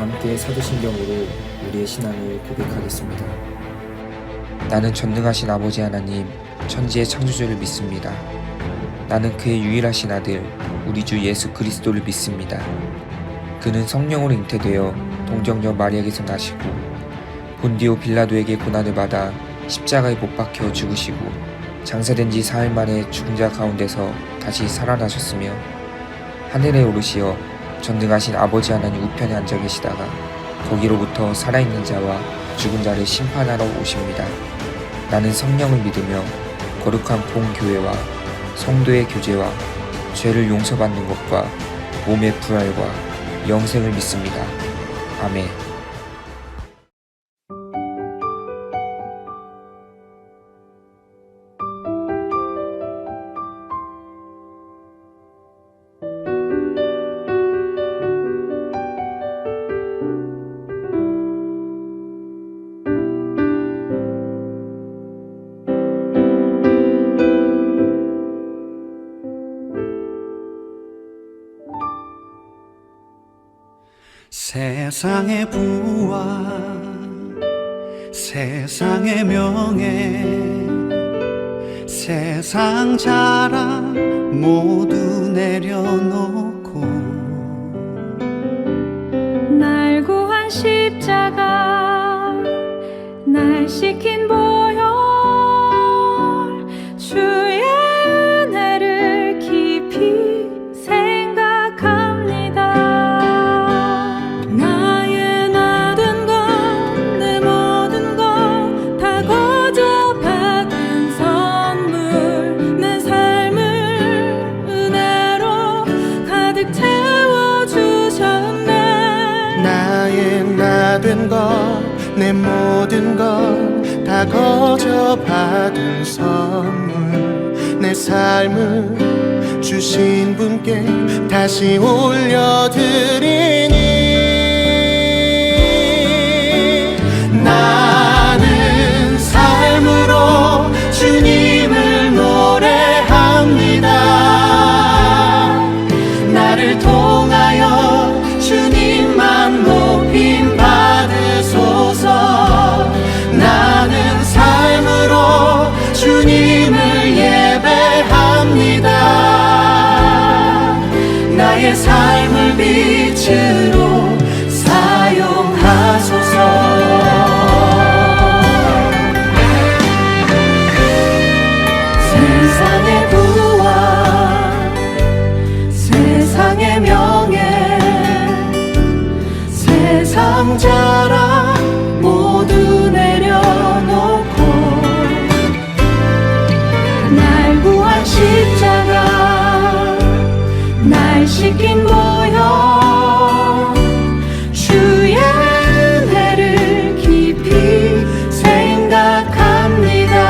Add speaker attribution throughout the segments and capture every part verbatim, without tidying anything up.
Speaker 1: 함께 사도신경으로 우리의 신앙을 고백하겠습니다.
Speaker 2: 나는 전능하신 아버지 하나님, 천지의 창조주를 믿습니다. 나는 그의 유일하신 아들, 우리 주 예수 그리스도를 믿습니다. 그는 성령으로 잉태되어 동정녀 마리아에게서 나시고 본디오 빌라도에게 고난을 받아 십자가에 못 박혀 죽으시고 장사된 지 사흘 만에 죽은 자 가운데서 다시 살아나셨으며 하늘에 오르시어 전능하신 아버지 하나님 우편에 앉아 계시다가 거기로부터 살아있는 자와 죽은 자를 심판하러 오십니다. 나는 성령을 믿으며 거룩한 공교회와 성도의 교제와 죄를 용서받는 것과 몸의 부활과 영생을 믿습니다. 아멘.
Speaker 3: 세상의 부와 세상의 명예 세상 자랑 모두 내려놓고
Speaker 4: 날 구한 십자가 날 시킨 보혈 주의 은혜를 깊이 생각합니다. 나의 나된 것 내 모든 것 다 거저 받은 선물 내 삶을 은혜로 가득 채워주셨네.
Speaker 3: 나의 나된 것 내 모든 것 다 거저 받은 선물 내 삶을 주신 분께 다시 올려드리니 나는 삶으로 주님을 노래합니다. 나를 통하여 주님만 높임 받으소서. 나는 삶으로 주님을 예배합니다. 나의 삶을 빛으로 사용하소서. 세상의 부와 세상의 명예 세상 자랑 모두 내려놓고 날 구한 십자가 날 시킨 보혈 주의 은혜를 깊이 생각합니다.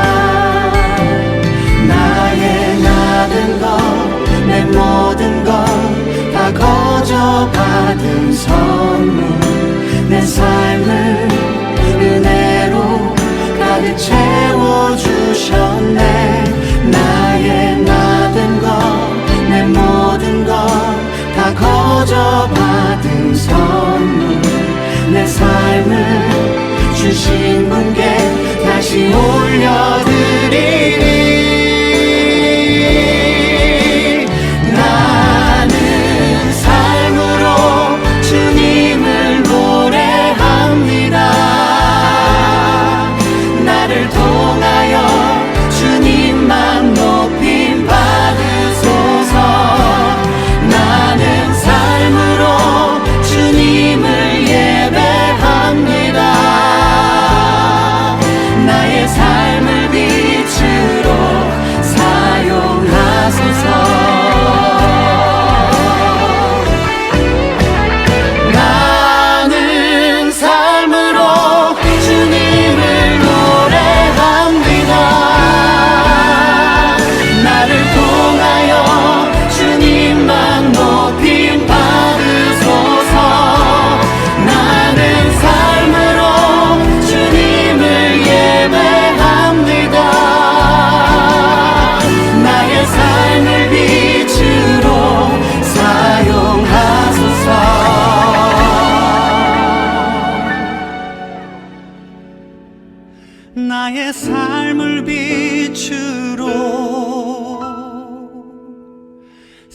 Speaker 3: 나의 나된 것 내 모든 것 다 거저 받은 선물 내 삶을 은혜로 가득 채워주셨네. 나의 나된 것 내 모든 것 다 거저 받은 선물 내 삶을 주신 분께 다시 올려드리니 나는 삶으로 주님을 노래합니다. 나를 통하여 주님만 높임 받으소서. 나는 삶으로 주님을 예배합니다. 나의 삶을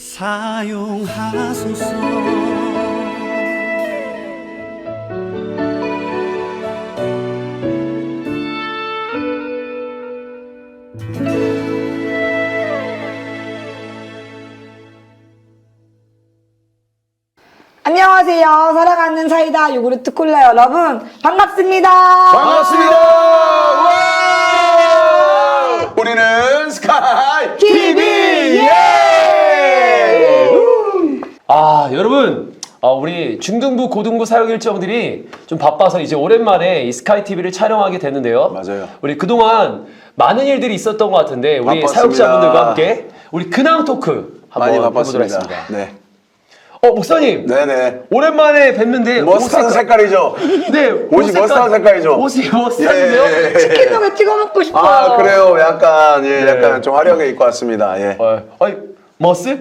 Speaker 3: 사용하소서.
Speaker 5: 안녕하세요. 사랑하는 사이다 요구르트 콜라 여러분 반갑습니다.
Speaker 6: 반갑습니다. 와! 우리는 스카이 티비. 예!
Speaker 7: 아, 여러분, 아, 우리 중등부, 고등부 사역 일정들이 좀 바빠서 이제 오랜만에 이 스카이 티비를 촬영하게 됐는데요.
Speaker 6: 맞아요.
Speaker 7: 우리 그동안 많은 일들이 있었던 것 같은데 우리
Speaker 6: 바빴습니다.
Speaker 7: 사역자분들과 함께 우리 근황 토크 한번
Speaker 6: 많이
Speaker 7: 해보도록
Speaker 6: 바빴습니다.
Speaker 7: 하겠습니다.
Speaker 6: 네.
Speaker 7: 어, 목사님.
Speaker 6: 네네.
Speaker 7: 오랜만에 뵀는데
Speaker 6: 머스타드
Speaker 7: 옷
Speaker 6: 색깔이죠?
Speaker 7: 네,
Speaker 6: 옷이 머스타드 색깔이죠?
Speaker 7: 옷이 머스타드인데요?
Speaker 6: 예.
Speaker 5: 치킨도에 찍어 먹고 싶어요.
Speaker 6: 아, 그래요. 약간, 예,
Speaker 7: 네.
Speaker 6: 약간 좀 화려하게 입고 왔습니다. 예.
Speaker 7: 어, 아니, 머스?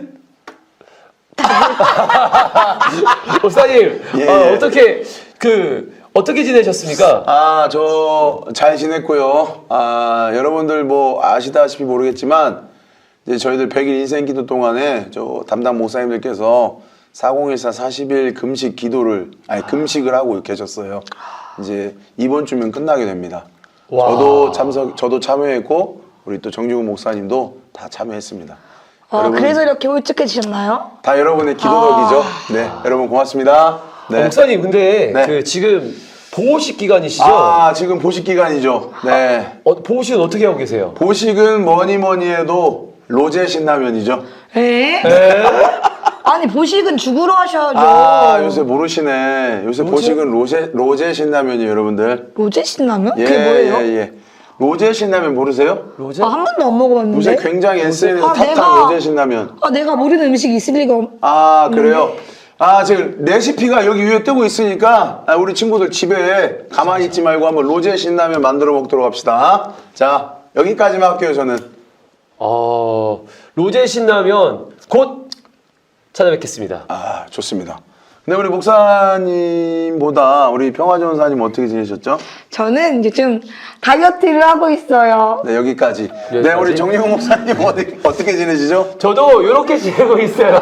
Speaker 7: 목사님,
Speaker 6: 예.
Speaker 7: 어, 어떻게 그 어떻게 지내셨습니까?
Speaker 6: 아, 저 잘 지냈고요. 아, 여러분들 뭐 아시다시피 모르겠지만 이제 저희들 백 일 인생 기도 동안에 저 담당 목사님들께서 사공일사 사십 일 금식 기도를 아니 금식을 하고 계셨어요. 이제 이번 주면 끝나게 됩니다.
Speaker 7: 와.
Speaker 6: 저도 참석 저도 참여했고 우리 또 정중훈 목사님도 다 참여했습니다.
Speaker 5: 아,
Speaker 6: 여러분,
Speaker 5: 그래서 이렇게 울적해지셨나요?
Speaker 6: 다 여러분의 기도 덕이죠. 네, 여러분 고맙습니다. 네.
Speaker 7: 어, 목사님, 근데
Speaker 6: 네.
Speaker 7: 그 지금 보호식 기간이시죠?
Speaker 6: 아, 지금 보식 기간이죠. 네.
Speaker 7: 어, 보호식은 어떻게 하고 계세요?
Speaker 6: 보식은 뭐니 뭐니 해도 로제 신라면이죠.
Speaker 5: 에?
Speaker 7: 네.
Speaker 5: 아니 보식은 죽으러 하셔야죠.
Speaker 6: 아, 요새 모르시네. 요새 보식은 로제, 로제 신라면이에요, 여러분들.
Speaker 5: 로제 신라면?
Speaker 6: 예,
Speaker 5: 그게 뭐예요?
Speaker 6: 예, 예. 로제 신라면 모르세요?
Speaker 7: 로제?
Speaker 5: 아, 한 번도 안 먹어봤는데.
Speaker 6: 요새 굉장히 에스엔에스
Speaker 5: 아,
Speaker 6: 탑탑
Speaker 5: 내가-
Speaker 6: 로제 신라면.
Speaker 5: 아, 내가 모르는 음식이 있을 리가 없...
Speaker 6: 아, 그래요? 아, 지금 레시피가 여기 위에 뜨고 있으니까 아, 우리 친구들 집에 가만히 있지 말고 한번 로제 신라면 만들어 먹도록 합시다. 자, 여기까지만 할게요, 저는.
Speaker 7: 어, 로제 신라면 곧 찾아뵙겠습니다.
Speaker 6: 아, 좋습니다. 근데 우리 목사님보다 우리 평화전사님 어떻게 지내셨죠?
Speaker 5: 저는 이제 좀 다이어트를 하고 있어요.
Speaker 6: 네, 여기까지. 네,
Speaker 7: 여기까지?
Speaker 6: 우리 정리호 목사님 어디, 어떻게 지내시죠?
Speaker 7: 저도 이렇게 지내고 있어요.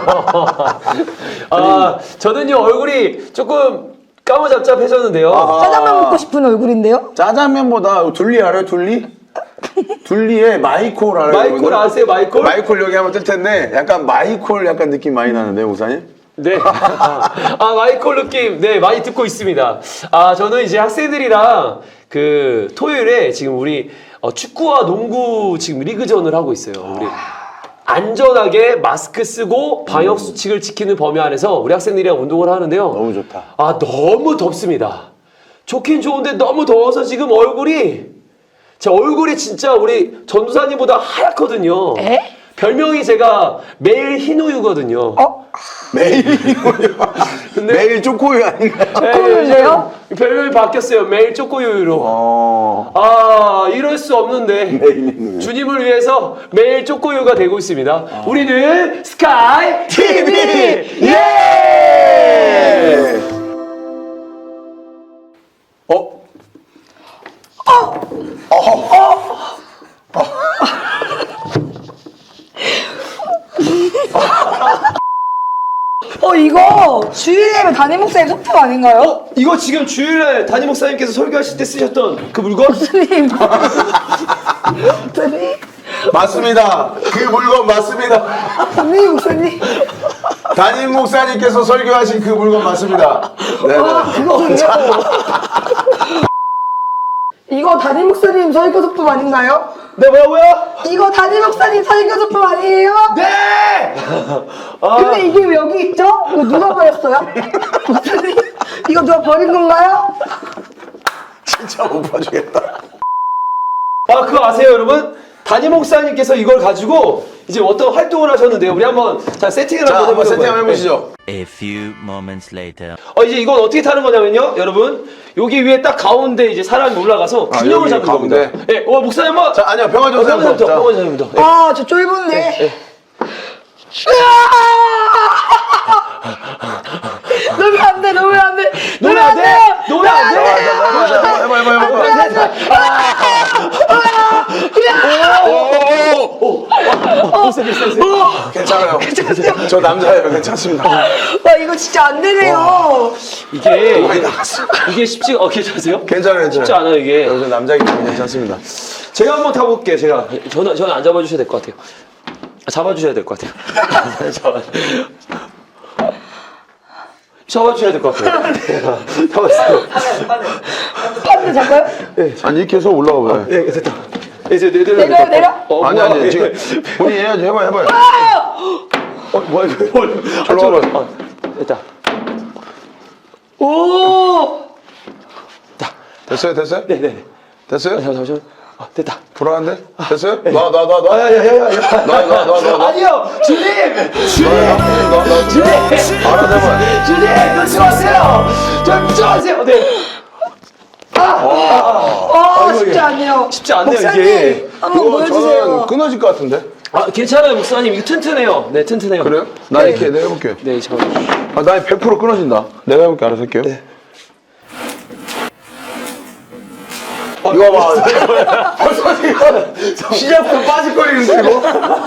Speaker 7: 아, 저는요 얼굴이 조금 까무잡잡해졌는데요.
Speaker 6: 아하.
Speaker 5: 짜장면 먹고 싶은 얼굴인데요?
Speaker 6: 짜장면보다 둘리 알아요, 둘리? 둘리에 마이콜 알아요?
Speaker 7: 마이콜
Speaker 6: 여러분들?
Speaker 7: 아세요, 마이콜?
Speaker 6: 마이콜 여기 한번 뜰 텐데 약간 마이콜 약간 느낌 많이 나는데요, 목사님?
Speaker 7: 네. 아, 마이콜 느낌, 네, 많이 듣고 있습니다. 아, 저는 이제 학생들이랑 그 토요일에 지금 우리 어, 축구와 농구 지금 리그전을 하고 있어요. 우리 안전하게 마스크 쓰고 방역 수칙을 지키는 범위 안에서 우리 학생들이랑 운동을 하는데요.
Speaker 6: 너무 좋다.
Speaker 7: 아, 너무 덥습니다. 좋긴 좋은데 너무 더워서 지금 얼굴이 제 얼굴이 진짜 우리 전도사님보다 하얗거든요.
Speaker 5: 에?
Speaker 7: 별명이 제가 매일 흰우유거든요.
Speaker 5: 어?
Speaker 6: 매일 이거요. 매일 쪼꼬유 아닌가요?
Speaker 5: 쪼꼬유인데요?
Speaker 7: 네, 별명이 바뀌었어요. 매일 쪼꼬유유로.
Speaker 6: 어,
Speaker 7: 아, 이럴 수 없는데.
Speaker 6: 매일
Speaker 7: 주님을 위해서 매일 쪼꼬유가 되고 있습니다. 우리는 스카이 티비!
Speaker 6: 예! 어?
Speaker 5: 어, 이거 주일 예배 담임 목사님 소품 아닌가요?
Speaker 7: 어? 이거 지금 주일날 담임 목사님께서 설교하실 때 쓰셨던 그 물건?
Speaker 5: 목사님. 목사님.
Speaker 6: 맞습니다. 그 물건 맞습니다.
Speaker 5: 담임 목사님.
Speaker 6: 담임 목사님께서 설교하신 그 물건 맞습니다. 네,
Speaker 5: 아,
Speaker 6: 네.
Speaker 5: 그거군요. 이거 담임 목사님 설교 소품 아닌가요?
Speaker 7: 네, 뭐라고요?
Speaker 5: 이거 담임 목사님 설교 소품 아니에요?
Speaker 7: 네! 아,
Speaker 5: 근데 이게 왜 여기 있죠? 이거 누가 버렸어요? 목사님, 이거 누가 버린 건가요?
Speaker 6: 진짜 못 봐주겠다.
Speaker 7: 아, 그거 아세요, 여러분? 담임 목사님께서 이걸 가지고 이제 어떤 활동을 하셨는데요. 우리 한번 자 세팅을
Speaker 6: 자,
Speaker 7: 한번
Speaker 6: 한번
Speaker 7: 해보도록
Speaker 6: 세팅 한번
Speaker 7: 해요.
Speaker 6: 해보시죠.
Speaker 8: A few moments later.
Speaker 7: 어, 이제 이건 어떻게 타는 거냐면요, 여러분. 여기 위에 딱 가운데 이제 사람이 올라가서
Speaker 6: 아,
Speaker 7: 균형을
Speaker 6: 여기
Speaker 7: 잡는
Speaker 6: 가운데?
Speaker 7: 겁니다. 예, 어, 목사님 한번.
Speaker 6: 자, 아니요, 평화 좀
Speaker 7: 평화전부터,
Speaker 6: 자.
Speaker 7: 평화전부터. 예.
Speaker 5: 아, 저 쫄본데. 놓으면 안 돼, 놓으면 안 돼.
Speaker 7: 놓으면 안 돼! 놓으면 안 돼!
Speaker 6: 해봐, 해봐, 해봐, 해봐. 괜찮아요. 저 남자예요. 괜찮습니다.
Speaker 5: 와 이거 진짜 안 되네요.
Speaker 7: 이게 이게 쉽지 어 괜찮으세요?
Speaker 6: 괜찮아요.
Speaker 7: 쉽지 않아요 이게.
Speaker 6: 저 남자이기 때문에 괜찮습니다.
Speaker 7: 제가 한번 타볼게요. 제가 저는 저는 안 잡아주셔야 될 것 같아요. 아, 잡아주셔야 될 것 같아요. 잡아. 잡아주셔야 될 것 같아요. 잡았어요.
Speaker 5: 판도 잡아요?
Speaker 6: 아니 이렇게 해서 올라가 봐요.
Speaker 7: 네 됐다. 이제 내려
Speaker 5: 내려 내려.
Speaker 7: 어,
Speaker 6: 아니
Speaker 7: 뭐야,
Speaker 6: 아니
Speaker 7: 예.
Speaker 6: 지금 본인 해야지 해봐요 해봐요.
Speaker 7: 어 뭐야 이거 뭐야. 아,
Speaker 6: 저로
Speaker 7: 저로. 아, 됐다. 오.
Speaker 6: 됐어요 됐어요?
Speaker 7: 네네.
Speaker 6: 됐어요?
Speaker 7: 잠시만. 아, 됐다.
Speaker 6: 불안한데? 됐어요? 놔 놔 놔 놔.
Speaker 7: 야야야야.
Speaker 6: 놔놔놔놔.
Speaker 7: 아니요, 주님. 주님.
Speaker 6: 주님. 알아서 해봐요.
Speaker 7: 주님, 놓지 마세요. 저 묻지 마세요. 네.
Speaker 5: 아
Speaker 7: 이거,
Speaker 5: 쉽지
Speaker 7: 이게
Speaker 5: 않네요.
Speaker 7: 쉽지 않네요,
Speaker 5: 목사님,
Speaker 7: 이게.
Speaker 5: 한번
Speaker 6: 이거 저는
Speaker 5: 보여주세요.
Speaker 6: 끊어질 것 같은데?
Speaker 7: 아, 괜찮아요, 목사님. 이거 튼튼해요. 네, 튼튼해요.
Speaker 6: 그래요? 나 이렇게 내가 해볼게요.
Speaker 7: 네, 저.
Speaker 6: 아, 나 백 퍼센트 끊어진다. 내가 해볼게 알아서 할게요. 이거 봐. 벌써 지금 시작부터 빠질거리는데 이거?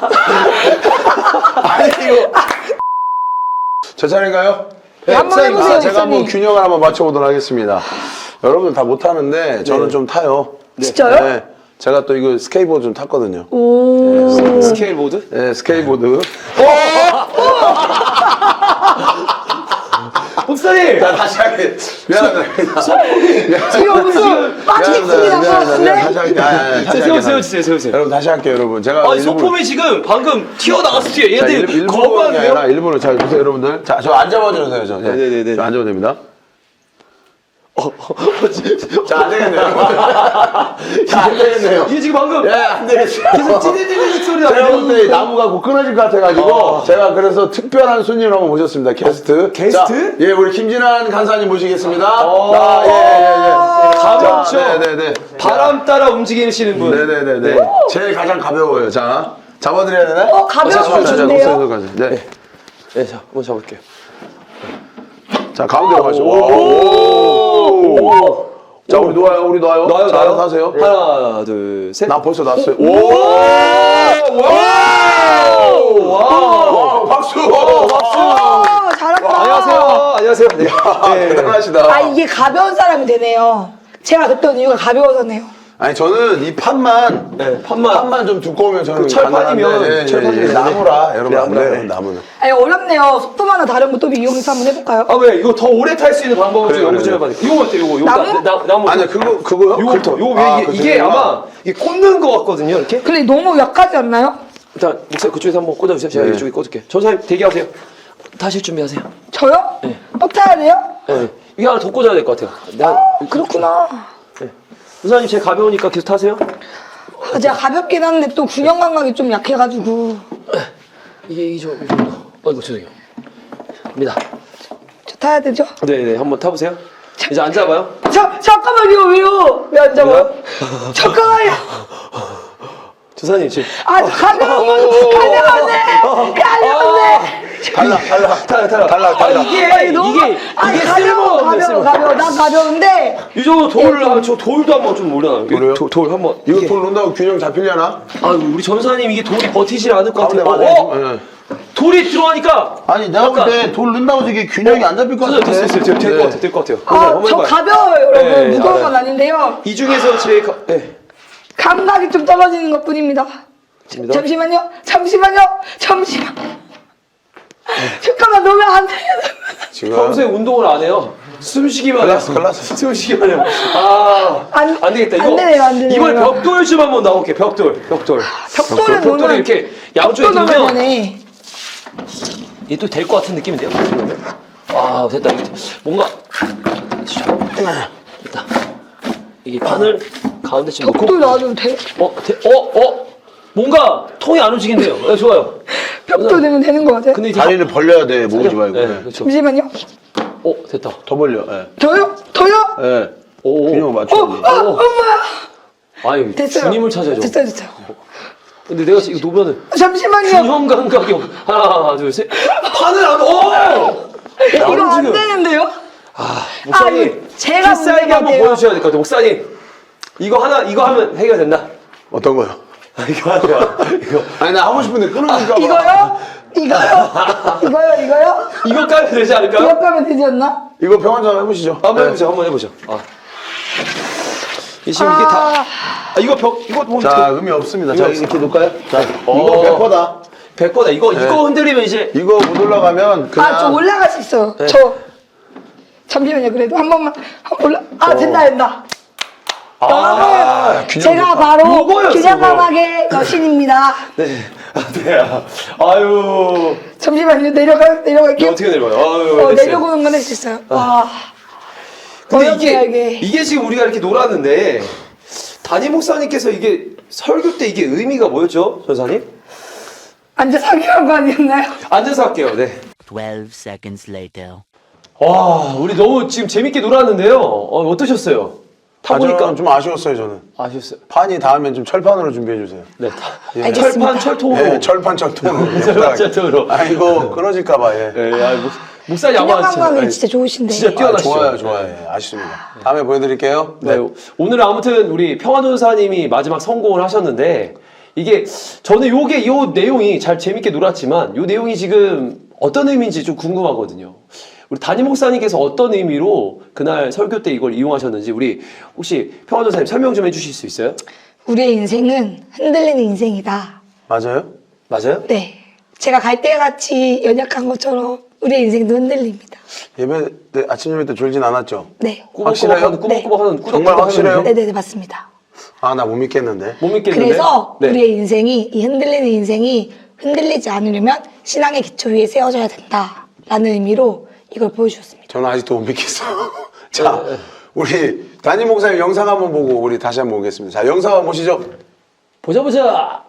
Speaker 6: 아니 이거. 제 차례인가요?
Speaker 5: 네, 한번 해보세요,
Speaker 6: 아, 제가 한번
Speaker 5: 목사님.
Speaker 6: 균형을 한번 맞춰보도록 하겠습니다. 여러분들 다 못하는데 저는 좀 타요.
Speaker 5: 진짜요?
Speaker 6: 네. 제가 또 이거 스케이트보드 좀 탔거든요.
Speaker 5: 오.
Speaker 7: 스케일보드?
Speaker 6: 네, 스케이트보드.
Speaker 7: 목사님!
Speaker 6: 자, 다시 할게. 미안합니다.
Speaker 5: 지금 무슨 빠지겠습니다.
Speaker 6: 미안합니다. 미안합니다.
Speaker 5: 네?
Speaker 6: 다시 할게. 아, 아, 아, 다시
Speaker 7: 세우세요,
Speaker 6: 할게.
Speaker 7: 세워주세요, 세우세요.
Speaker 6: 여러분 다시 할게요, 여러분. 제가
Speaker 7: 아니,
Speaker 6: 일부러-
Speaker 7: 소품이 지금 방금 튀어나갔어요.
Speaker 6: 자,
Speaker 7: 얘들
Speaker 6: 일, 일부러 그런 게 아니라 일부러 잘 보세요, 여러분들. 자, 저 안 잡아주세요, 저. 네.
Speaker 7: 네네네.
Speaker 6: 저 앉아도 됩니다.
Speaker 7: 어,
Speaker 6: 자, 안 되겠네요. 자, 안 되겠네요.
Speaker 7: 이게 지금 방금
Speaker 6: 예, 안 되겠어요.
Speaker 7: 계속 찌릿찌릿 소리
Speaker 6: 제가
Speaker 7: 나요.
Speaker 6: 볼 때 나무가 곧 끊어질 것 같아가지고 제가 그래서 특별한 손님을 한번 모셨습니다. 게스트.
Speaker 7: 게스트?
Speaker 6: 자, 예, 우리 김진환 간사님 모시겠습니다.
Speaker 7: 어.
Speaker 6: 자, 예, 예, 예.
Speaker 7: 가볍죠?
Speaker 6: 자, 네네네.
Speaker 7: 바람 따라 움직이시는 분.
Speaker 6: 네네네네. 제일 가장 가벼워요. 자, 잡아드려야 되나?
Speaker 5: 어, 가벼운 거 좋네요.
Speaker 6: 네.
Speaker 7: 네, 자, 한번 잡을게요.
Speaker 6: 자, 가운데로 가시죠. 오. 자, 우리 놓아요, 우리 놓아요.
Speaker 7: 놔요,
Speaker 6: 자,
Speaker 7: 놔요.
Speaker 6: 알아서 하세요.
Speaker 7: 하나, 둘, 셋.
Speaker 6: 나 벌써 놨어요.
Speaker 7: 오!
Speaker 6: 오!
Speaker 7: 와!
Speaker 6: 와, 박수! 박수!
Speaker 5: 어, 잘한다.
Speaker 7: 안녕하세요. 안녕하세요. 네.
Speaker 6: 아, 대단하시다.
Speaker 5: 아 이게 가벼운 사람이 되네요. 제가 그랬던 이유가 가벼워서네요.
Speaker 6: 아니, 저는 이 판만,
Speaker 7: 네, 판만.
Speaker 6: 판만 좀 두꺼우면 저는
Speaker 7: 그 철판이면,
Speaker 6: 가능한데, 예, 예,
Speaker 7: 철판이면
Speaker 6: 예, 나무라, 여러분, 안
Speaker 7: 나무라,
Speaker 6: 돼요,
Speaker 7: 네.
Speaker 6: 나무는.
Speaker 5: 아니 어렵네요. 속도 하나 다른 거 또 이용해서 한번 해볼까요?
Speaker 7: 아, 왜? 이거 더 오래 탈 수 있는 방법을 좀
Speaker 6: 그래요,
Speaker 7: 연구 좀
Speaker 6: 그래요.
Speaker 7: 해봐요. 이거 어때요? 이거, 이거
Speaker 5: 나무?
Speaker 7: 나, 나, 나무.
Speaker 6: 아니야, 그거, 그거요?
Speaker 7: 요거부터.
Speaker 6: 그-
Speaker 7: 요거 왜
Speaker 6: 아,
Speaker 7: 이게,
Speaker 6: 그
Speaker 7: 이게
Speaker 6: 정도구나.
Speaker 7: 아마 이게 꽂는 거 같거든요. 이렇게.
Speaker 5: 근데 너무 약하지 않나요?
Speaker 7: 일단 목사님 그쪽에서 한번 꽂아주세요. 제가
Speaker 6: 네.
Speaker 7: 이쪽에 꽂을게요. 전사님 대기하세요. 타실 준비하세요.
Speaker 5: 저요? 또 타야 돼요?
Speaker 7: 네. 이게 하나 더 꽂아야 될 것 같아요. 나,
Speaker 5: 그렇구나.
Speaker 7: 전사님 제 가벼우니까 계속 타세요.
Speaker 5: 아, 제가 가볍긴 한데 또 균형 감각이 좀 약해가지고.
Speaker 7: 이게 이게 좀 이 정도. 어이구 죄송해요. 갑니다.
Speaker 5: 저 타야 되죠?
Speaker 7: 네네 한번 타보세요. 이제 앉아봐요.
Speaker 5: 자, 잠깐만요. 왜요? 왜 안 잡아요? 잠깐만요.
Speaker 7: 조사님 지금
Speaker 5: 아, 가벼운 건 가벼운데! 가벼운데!
Speaker 6: 달라, 달라.
Speaker 7: 탈락 탈락
Speaker 6: 탈락, 탈락.
Speaker 7: 아, 이게
Speaker 5: 아니, 너무,
Speaker 7: 이게
Speaker 5: 아니,
Speaker 7: 이게
Speaker 5: 가벼워,
Speaker 7: 쓸모없네
Speaker 5: 가벼워,
Speaker 7: 쓸모.
Speaker 5: 가벼워. 난 가벼운데.
Speaker 7: 이 정도 돌을 한- 저 돌도 한번 좀 올려놔요.
Speaker 6: 그래요?
Speaker 7: 돌, 돌 한번.
Speaker 6: 이거
Speaker 7: 이게-
Speaker 6: 돌 놓는다고 균형 잡히려나?
Speaker 7: 아 우리 전사님 이게 돌이 버티질 않을 것
Speaker 6: 가운데
Speaker 7: 같아요.
Speaker 6: 맞아요.
Speaker 7: 어?
Speaker 6: 예.
Speaker 7: 돌이 들어가니까
Speaker 6: 아니, 내가 볼 때 돌 넣는다고 이게 균형이 안 잡힐 것
Speaker 7: 됐어요
Speaker 6: 같은데.
Speaker 7: 됐어요 됐어요 될것
Speaker 6: 네.
Speaker 7: 같아요 될 것 같아요.
Speaker 5: 아,
Speaker 7: 한번
Speaker 5: 저
Speaker 7: 해봐요.
Speaker 5: 가벼워요, 여러분.
Speaker 7: 네,
Speaker 5: 무거운
Speaker 7: 알아요.
Speaker 5: 건 아닌데요.
Speaker 7: 이 중에서 제일 가, 네.
Speaker 5: 감각이 좀 떨어지는 것 뿐입니다.
Speaker 7: 됩니다.
Speaker 5: 잠시만요. 잠시만요. 잠시만. 잠깐만, 놓으면 안 돼요.
Speaker 6: 지금.
Speaker 7: 평소에 운동을 안 해요. 숨쉬기만 해요.
Speaker 6: 클라스, 클라스.
Speaker 7: 숨쉬기만 해요. 아,
Speaker 5: 안-
Speaker 7: 안 되겠다.
Speaker 5: 안
Speaker 7: 이거
Speaker 5: 되네요, 안 되네요.
Speaker 7: 이번에 벽돌 좀 한번 나올게. 벽돌, 벽돌.
Speaker 5: 벽돌을
Speaker 7: 벽돌이
Speaker 5: 놓으면
Speaker 7: 이렇게 양쪽에
Speaker 5: 벽돌 놓으면
Speaker 7: 들면
Speaker 5: 되네.
Speaker 7: 얘 또 될 것 같은 느낌인데요. 아, 됐다. 이거 뭔가 됐다. 이게 판을 가운데쯤 놓고
Speaker 5: 벽돌 놔도 돼.
Speaker 7: 어, 대, 어, 어, 뭔가 통이 안 움직인대요. 네, 좋아요.
Speaker 5: 벽돌 되면 되는 것 같아요.
Speaker 7: 근데 이제
Speaker 6: 다리를 벌려야 돼, 모으지 말고.
Speaker 7: 네,
Speaker 6: 예.
Speaker 7: 그렇죠.
Speaker 5: 잠시만요.
Speaker 7: 어, 됐다.
Speaker 6: 더 벌려. 예.
Speaker 5: 더요? 더요?
Speaker 6: 예.
Speaker 7: 오,
Speaker 6: 균형을
Speaker 5: 어,
Speaker 6: 맞춰야지.
Speaker 5: 아, 엄마.
Speaker 7: 아니,
Speaker 5: 됐어요.
Speaker 7: 주님을 찾아야죠.
Speaker 5: 됐어요, 됐어요.
Speaker 7: 근데 내가 지금 이거 놓으면은
Speaker 5: 잠시만요.
Speaker 7: 균형 감각이 없. 하나, 둘, 셋. 판을 안. 오!
Speaker 5: 이거 안
Speaker 7: 움직여.
Speaker 5: 되는데요?
Speaker 7: 아, 목사님.
Speaker 5: 아, 이거 제가
Speaker 7: 필살기
Speaker 5: 문제가
Speaker 7: 한번
Speaker 5: 돼요.
Speaker 7: 보여주셔야 될 것 같아요. 목사님, 이거 하나, 이거 하면 해결된다.
Speaker 6: 어떤 거요?
Speaker 7: 이거 하세요. 이거
Speaker 6: 아니 나 하고 싶은데 끊으니까 봐.
Speaker 5: 이거요? 이거요? 이거요? 이거요?
Speaker 7: 이거 까면 되지 않을까요?
Speaker 5: 이거 까면 되지 않나?
Speaker 6: 이거 평안전 해보시죠.
Speaker 7: 한번
Speaker 6: 네.
Speaker 7: 해보죠. 한번 해보죠. 아. 이 지금 이게 다. 아, 이거 벽 이거 뭐
Speaker 6: 자 의미 없습니다. 자
Speaker 7: 없어.
Speaker 6: 이렇게 놓을까요? 자 이거
Speaker 7: 어.
Speaker 6: 백 퍼센트다.
Speaker 7: 백 퍼센트 이거 이거 흔들리면 이제
Speaker 6: 이거 못 올라가면 그냥
Speaker 5: 아, 저 올라갈 수 있어요. 저. 잠시만요. 그래도 한 번만. 한 번 올라. 아, 된다, 된다. 여러분, 제가 바로
Speaker 7: 요거였어,
Speaker 5: 균형감하게 여신입니다.
Speaker 7: 네. 아, 네. 아유.
Speaker 5: 잠시만요. 내려가,
Speaker 7: 이거
Speaker 5: 내려갈게요.
Speaker 7: 어떻게 내려가요? 아유.
Speaker 5: 어,
Speaker 7: 됐어요.
Speaker 5: 내려오는 건 할 수 있어요. 와.
Speaker 7: 근데
Speaker 5: 어렵네요,
Speaker 7: 이게, 이게 지금 우리가 이렇게 놀았는데 담임 목사님께서 이게 설교 때 이게 의미가 뭐였죠, 전사님?
Speaker 5: 앉아서 하기로 한 거 아니었나요?
Speaker 7: 앉아서 할게요. 네.
Speaker 8: Twelve seconds later.
Speaker 7: 와, 우리 너무 지금 재밌게 놀았는데요. 어, 어떠셨어요?
Speaker 6: 아,
Speaker 7: 타보니까
Speaker 6: 저는 좀 아쉬웠어요 저는.
Speaker 7: 아셨어요?
Speaker 6: 판이 닿으면 좀 철판으로 준비해 주세요.
Speaker 7: 네. 다,
Speaker 5: 알겠습니다.
Speaker 7: 철판, 철통으로.
Speaker 6: 예, 철판 철통으로.
Speaker 7: 철판, 철통으로.
Speaker 6: 아 이거 끊어질까봐 예.
Speaker 7: 네, 아, 목, 목사님 아마
Speaker 5: 균형감각이 진짜 좋으신데.
Speaker 7: 진짜
Speaker 6: 아,
Speaker 7: 뛰어나시죠?
Speaker 6: 좋아요, 좋아요. 예, 아쉽습니다. 다음에 보여드릴게요.
Speaker 7: 네. 오늘 아무튼 우리 평화전사님이 마지막 성공을 하셨는데 이게 저는 요게 요 내용이 잘 재밌게 놀았지만 요 내용이 지금 어떤 의미인지 좀 궁금하거든요. 우리 담임 목사님께서 어떤 의미로 그날 설교 때 이걸 이용하셨는지 우리 혹시 평화전사님 설명 좀 해주실 수 있어요?
Speaker 5: 우리의 인생은 흔들리는 인생이다.
Speaker 6: 맞아요?
Speaker 7: 맞아요?
Speaker 5: 네. 제가 갈대같이 연약한 것처럼 우리의 인생도 흔들립니다.
Speaker 6: 예배 때 아침 예배 때 졸진 않았죠?
Speaker 5: 네.
Speaker 6: 확실해요?
Speaker 7: 꾸벅꾸벅하는 꾸벅꾸벅하는 꾸덕꾸덕
Speaker 6: 정말 확실해요?
Speaker 7: 하는데
Speaker 5: 네네네, 맞습니다.
Speaker 6: 아 나 못 믿겠는데.
Speaker 7: 못 믿겠는데?
Speaker 5: 그래서
Speaker 7: 네.
Speaker 5: 우리의 인생이, 이 흔들리는 인생이 흔들리지 않으려면 신앙의 기초 위에 세워져야 된다라는 의미로 이걸 보여주셨습니다.
Speaker 6: 저는 아직도 못 믿겠어요. 자, 우리 담임 목사님 영상 한번 보고 우리 다시 한번 보겠습니다. 자, 영상 한번 보시죠.
Speaker 7: 보자 보자.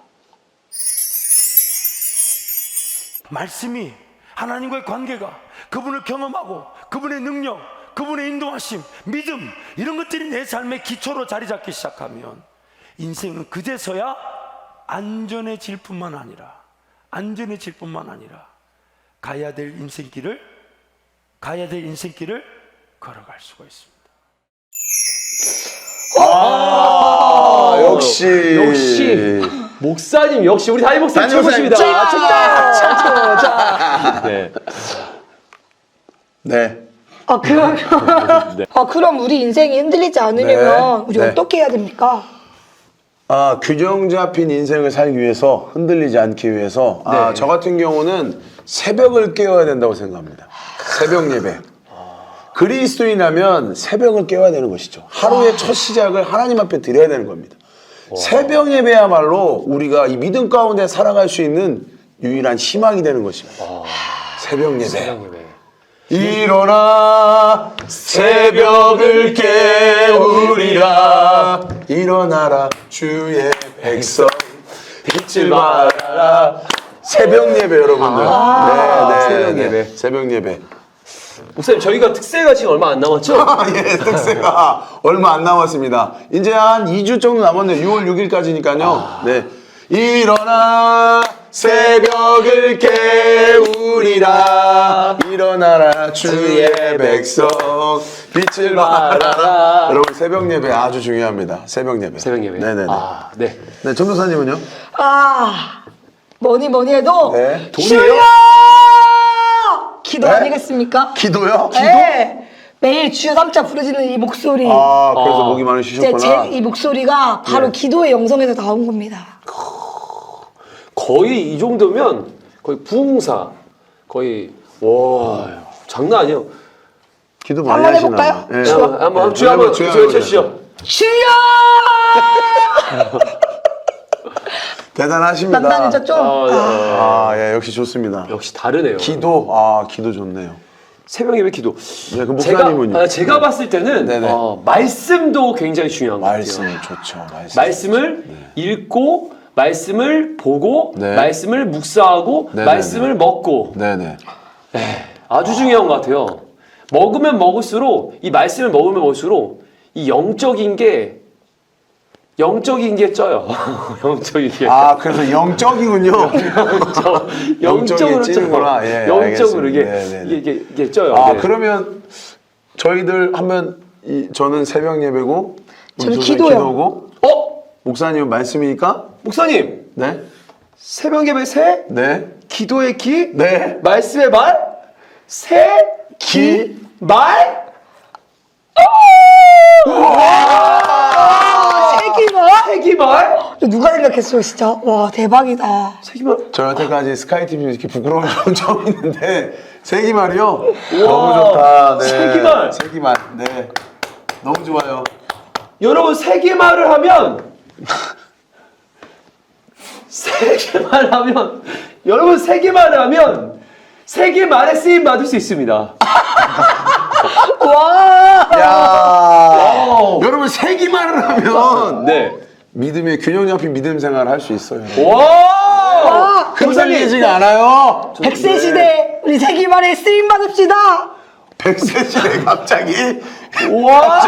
Speaker 9: 말씀이 하나님과의 관계가 그분을 경험하고 그분의 능력, 그분의 인도하심, 믿음 이런 것들이 내 삶의 기초로 자리 잡기 시작하면 인생은 그제서야 안전해질 뿐만 아니라 안전해질 뿐만 아니라 가야 될 인생길을 가야 될 인생길을 걸어갈 수가 있습니다.
Speaker 6: 아, 역시.
Speaker 7: 역시 목사님 역시 우리 담임 목사님
Speaker 6: 담임 목사님
Speaker 7: 최고십니다. 최고. 자. 네.
Speaker 6: 네.
Speaker 5: 아, 그럼, 아, 그럼 우리 인생이 흔들리지 않으려면
Speaker 6: 네.
Speaker 5: 우리
Speaker 6: 네.
Speaker 5: 어떻게 해야 됩니까?
Speaker 6: 아, 균형 잡힌 인생을 살기 위해서 흔들리지 않기 위해서 아,
Speaker 7: 네.
Speaker 6: 저 같은 경우는 새벽을 깨워야 된다고 생각합니다. 새벽 예배. 그리스도인이라면 새벽을 깨워야 되는 것이죠. 하루의 첫 시작을 하나님 앞에 드려야 되는 겁니다. 새벽 예배야말로 우리가 이 믿음 가운데 살아갈 수 있는 유일한 희망이 되는 것입니다. 새벽 예배. 일어나 새벽을 깨우리라 일어나라 주의 백성 빛을 발하라 새벽 예배 여러분들.
Speaker 7: 아,
Speaker 6: 네, 네,
Speaker 7: 새벽
Speaker 6: 네.
Speaker 7: 예배.
Speaker 6: 새벽 예배.
Speaker 7: 목사님 저희가 특세가 지금 얼마 안 남았죠?
Speaker 6: 아, 예, 특세가 얼마 안 남았습니다. 이제 한 이 주 정도 남았네요. 유월 육일까지니까요. 네. 일어나 새벽을 깨우리라 일어나라 주의 백성 빛을 발하라. 여러분 새벽 예배 아주 중요합니다. 새벽 예배.
Speaker 7: 새벽 예배.
Speaker 6: 네네네.
Speaker 7: 아, 네.
Speaker 6: 네, 전도사님은요?
Speaker 5: 아, 뭐니 뭐니 해도
Speaker 6: 네.
Speaker 5: 주여! 기도
Speaker 6: 네?
Speaker 5: 아니겠습니까?
Speaker 6: 기도요?
Speaker 5: 네. 매일 주여 삼자 부르짖는 이 목소리.
Speaker 6: 아, 그래서
Speaker 7: 아.
Speaker 6: 목이
Speaker 5: 이제
Speaker 6: 많으시셨구나.
Speaker 5: 제 이 목소리가 바로
Speaker 6: 네.
Speaker 5: 기도의 영성에서 나온 겁니다.
Speaker 7: 거의 이 정도면 거의 부흥사 거의 와 장난 아니에요.
Speaker 6: 기도 많이
Speaker 5: 한번
Speaker 6: 하시나
Speaker 5: 해볼까요?
Speaker 6: 봐요. 네.
Speaker 5: 주여.
Speaker 7: 한번 한번
Speaker 6: 네,
Speaker 7: 주여 한번
Speaker 6: 주여
Speaker 7: 주여
Speaker 6: 한번
Speaker 7: 쳐주시죠.
Speaker 5: 주여!
Speaker 6: 대단하십니다.
Speaker 5: 난단이죠 좀.
Speaker 7: 아, 네.
Speaker 6: 아, 예, 역시 좋습니다.
Speaker 7: 역시 다르네요.
Speaker 6: 기도, 아, 기도 좋네요.
Speaker 7: 새벽 예배 기도.
Speaker 6: 네, 그
Speaker 7: 제가
Speaker 6: 목사님은요?
Speaker 7: 아, 제가 봤을 때는
Speaker 6: 네네.
Speaker 7: 어, 말씀도 굉장히 중요한 것
Speaker 6: 말씀
Speaker 7: 같아요.
Speaker 6: 좋죠. 말씀.
Speaker 7: 말씀을 읽고 말씀을 보고
Speaker 6: 네.
Speaker 7: 말씀을 묵상하고
Speaker 6: 네네네.
Speaker 7: 말씀을 먹고
Speaker 6: 네네.
Speaker 7: 아주 중요한 것 같아요. 먹으면 먹을수록 이 말씀을 먹으면 먹을수록 이 영적인 게 영적인 게 쪄요. 영적인 게.
Speaker 6: 아, 그래서 영적이군요.
Speaker 7: 영적으로
Speaker 6: 찌는구나.
Speaker 7: 쪄요.
Speaker 6: 예,
Speaker 7: 영적으로 이게,
Speaker 6: 알겠습니다. 네네네.
Speaker 7: 이게, 이게, 이게 쪄요.
Speaker 6: 아,
Speaker 7: 네.
Speaker 6: 그러면 저희들 하면 이, 저는 새벽 예배고, 우리
Speaker 5: 저는
Speaker 6: 조선이
Speaker 5: 기도요.
Speaker 6: 기도고,
Speaker 7: 어?
Speaker 6: 목사님은 말씀이니까
Speaker 7: 목사님,
Speaker 6: 네?
Speaker 7: 새벽 예배 새,
Speaker 6: 네?
Speaker 7: 기도의 기,
Speaker 6: 네?
Speaker 7: 말씀의 말, 새, 기, 말.
Speaker 5: 세기말?
Speaker 7: 세기말?
Speaker 5: 누가 생각했어요, 진짜? 와, 대박이다.
Speaker 7: 세기말.
Speaker 6: 저 여태까지 스카이티비 이렇게 부끄러운 건 처음 있는데 세기말이요? 너무 좋다. 네.
Speaker 7: 세기말.
Speaker 6: 세기말. 네. 너무 좋아요.
Speaker 7: 여러분 세기말을 하면 세기말 하면 여러분 세기말을 하면 세기말에 쓰임 받을 수 있습니다.
Speaker 5: 와!
Speaker 6: 야.
Speaker 7: 와우.
Speaker 6: 여러분 세기말을 하면
Speaker 7: 네.
Speaker 6: 믿음의 균형 잡힌 믿음 생활을 할 수 있어요.
Speaker 7: 와!
Speaker 6: 흠살리지가 않아요.
Speaker 5: 백세 시대 우리 세기말에 쓰임 받읍시다.
Speaker 6: 백세 시대 갑자기.
Speaker 7: 와!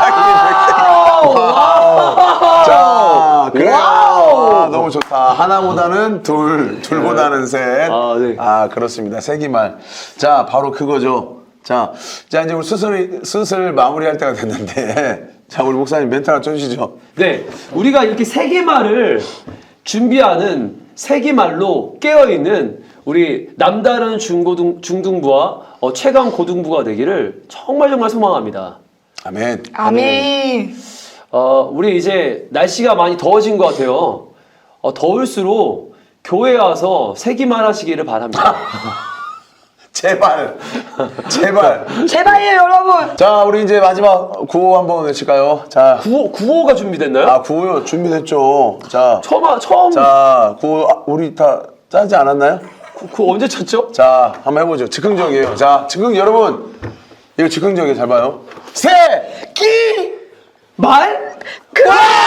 Speaker 6: 자, 그래요.
Speaker 7: 와우.
Speaker 6: 아, 너무 좋다. 하나보다는 둘, 둘보다는 셋.
Speaker 7: 아, 네.
Speaker 6: 아, 그렇습니다. 세기말. 자, 바로 그거죠. 자, 자 이제 우리 슬슬 슬슬 마무리할 때가 됐는데, 자, 우리 목사님 멘트 하나 쳐주시죠.
Speaker 7: 네, 우리가 이렇게 세기말을 준비하는 세기말로 깨어있는 우리 남다른 중고등, 중등부와 어, 최강 고등부가 되기를 정말 정말 소망합니다.
Speaker 6: 아멘.
Speaker 5: 아멘.
Speaker 7: 어, 우리 이제 날씨가 많이 더워진 것 같아요. 어, 더울수록 교회에 와서 세기말 하시기를 바랍니다.
Speaker 6: 제발, 제발.
Speaker 5: 제발요, 여러분.
Speaker 6: 자, 우리 이제 마지막 구호 한번 외칠까요? 자,
Speaker 7: 구호, 구호가 준비됐나요?
Speaker 6: 아, 구호요. 준비됐죠. 자,
Speaker 7: 처음, 처음
Speaker 6: 자, 구호 아, 우리 다 짜지 않았나요?
Speaker 7: 구, 구호 언제 쳤죠?
Speaker 6: 자, 한번 해보죠. 즉흥적이에요. 자, 즉흥 여러분, 이거 즉흥적이에요. 잘 봐요. 세, 기,
Speaker 7: 말?
Speaker 6: 그.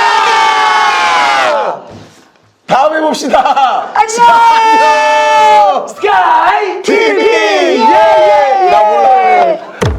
Speaker 6: 다음에 봅시다.
Speaker 5: 안녕.
Speaker 6: 안녕.
Speaker 7: 스카이
Speaker 6: 티비.
Speaker 7: 예!
Speaker 6: 나 몰라.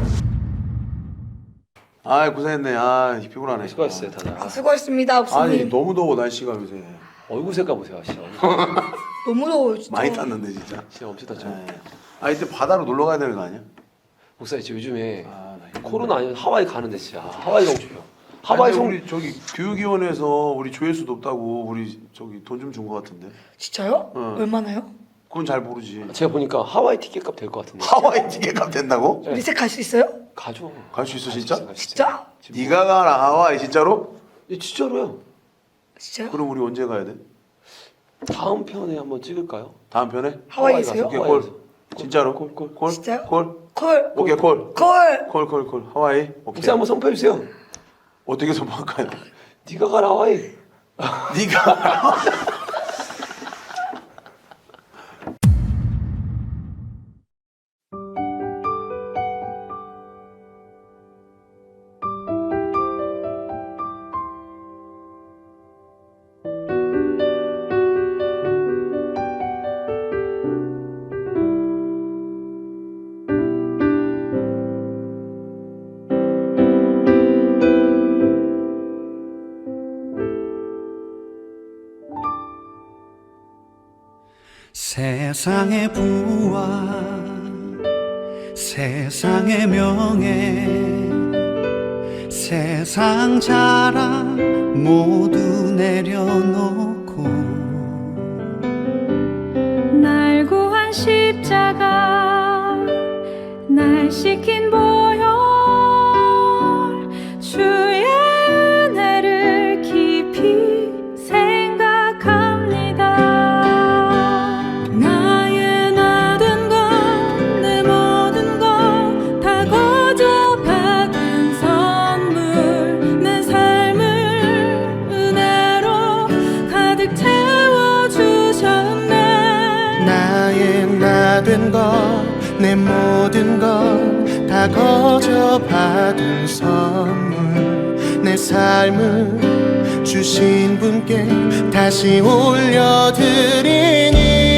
Speaker 6: 아, 고생했네. 아, 피곤하네.
Speaker 7: 수고하셨어요, 다들.
Speaker 5: 아, 수고했습니다,
Speaker 6: 아니,
Speaker 5: 목사님.
Speaker 6: 너무 더워 날씨가 요새.
Speaker 7: 얼굴 색깔 보세요, 진짜.
Speaker 5: 너무 더워요, 진짜.
Speaker 6: 많이 탔는데 진짜.
Speaker 7: 진짜 엄청 탔죠.
Speaker 6: 네. 아, 이때 바다로 놀러 가야 되는 거 아니야?
Speaker 7: 목사님, 지금 요즘에
Speaker 6: 아, 나 이거
Speaker 7: 코로나 아니면 하와이 가는데 진짜 하와이 가고 싶어요. 하와이
Speaker 6: 하와이
Speaker 7: 성
Speaker 6: 우리 저기 교육위원회에서 우리 조회수 높다고 우리 저기 돈 좀 준 거 같은데.
Speaker 5: 진짜요?
Speaker 6: 응.
Speaker 5: 얼마나요?
Speaker 6: 그건 잘 모르지.
Speaker 7: 제가 보니까 하와이 티켓값 될 것 같은데.
Speaker 6: 하와이 티켓값 된다고?
Speaker 5: 우리 셋 갈 수 있어요?
Speaker 7: 가죠.
Speaker 6: 갈 수 있어 진짜?
Speaker 5: 진짜?
Speaker 6: 네가 가라 하와이 진짜로?
Speaker 7: 예, 진짜로요.
Speaker 5: 진짜요?
Speaker 6: 그럼 우리 언제 가야 돼?
Speaker 7: 다음 편에 한번 찍을까요?
Speaker 6: 다음 편에?
Speaker 5: 하와이세요?
Speaker 6: 오케이
Speaker 7: 하와이
Speaker 6: 콜.
Speaker 7: 가서.
Speaker 6: 진짜로?
Speaker 7: 콜, 콜.
Speaker 6: 콜?
Speaker 5: 진짜요?
Speaker 6: 콜?
Speaker 5: 콜.
Speaker 6: 오케이 콜.
Speaker 5: 콜.
Speaker 6: 콜 콜 콜. 하와이. 오케이.
Speaker 7: 목사 한번 선포해 주세요.
Speaker 6: 어떻게 선포할까요?
Speaker 7: 네가 가라 하와이.
Speaker 6: 네가
Speaker 3: 세상의 부와 세상의 명예 세상 자랑 모두 내려놓고
Speaker 4: 날 구한 십자가 날 시킨 보혈 주의 은혜를 깊이 생각합니다. 나의 모든 것 내 모든 것 다 거저 받은 선물 내 삶을 은혜로 가득 채워주셨네.
Speaker 3: 나의 모든 것 내 모든 것 다 거저 받은 선물 내 삶을 주신 분께 다시 올려드리니